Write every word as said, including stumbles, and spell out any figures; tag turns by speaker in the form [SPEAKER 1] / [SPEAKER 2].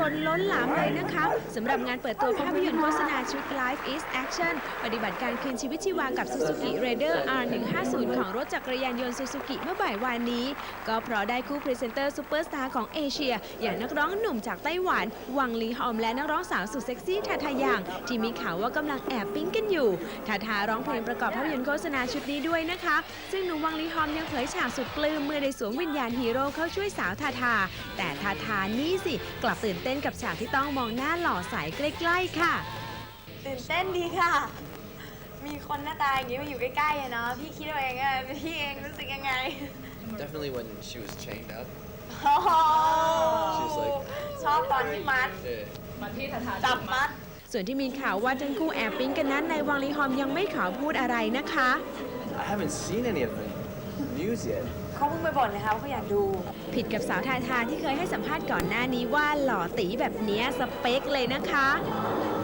[SPEAKER 1] นล้นหลามเลยนะคะสำหรับงานเปิดตัวภาพยนตร์โฆษณาชุด Life is Action ปฏิบัติการคืนชีวิตชีวากับ Suzuki Raider อาร์ หนึ่งห้าศูนย์ ของรถจักรยานยนต์ Suzuki เมื่อบ่ายวานนี้ก็เพราะได้คู่พรีเซนเตอร์ซูเปอร์สตาร์ของเอเชียอย่างนักร้องหนุ่มจากไต้หวันวังลีฮอมและนักร้องสาวสุดเซ็กซี่ทาทายังที่มีข่าวว่ากำลังแอบปิ๊งกันอยู่ทาทาร้องเพลงประกอบภาพยนตร์โฆษณาชุดนี้ด้วยนะคะซึ่งหนุ่มวังลีฮอมยังเผยฉากสุดปลื้มเมื่อได้สวมวิญญาณฮีโร่เข้าช่วยสาวทาทาแต่ทาทานี่สิกลับตื่นเต้นกับฉากที่ต้องมองหน้าหล่อใสใกล้ๆค่ะ
[SPEAKER 2] ตื่นเต้นดีค่ะมีคนหน้าตาอย่างนี้มาอยู่ใกล้ๆอะเนาะพี่คิดว่าเองอะพี่เองรู้สึกยังไง
[SPEAKER 3] Definitely when she was chained up.
[SPEAKER 2] โอ้โห
[SPEAKER 3] She was like
[SPEAKER 2] ชอบตอนที่มัด
[SPEAKER 3] yeah.
[SPEAKER 2] จับมัด
[SPEAKER 1] ส่วนที่มีข่าวว่าทั้งคู่แอบปิ๊งกันนั้นในวังลีฮอมยังไม่ขอพูดอะไรนะคะ
[SPEAKER 3] I haven't seen any of the news yet.
[SPEAKER 2] เขาเพิ่งไปบ่นนะคะว่าเขาอยากดู
[SPEAKER 1] ผิดกับสาวทาทาที่เคยให้สัมภาษณ์ก่อนหน้านี้ว่าหล่อตีแบบเนี้ยสเปคเลยนะคะ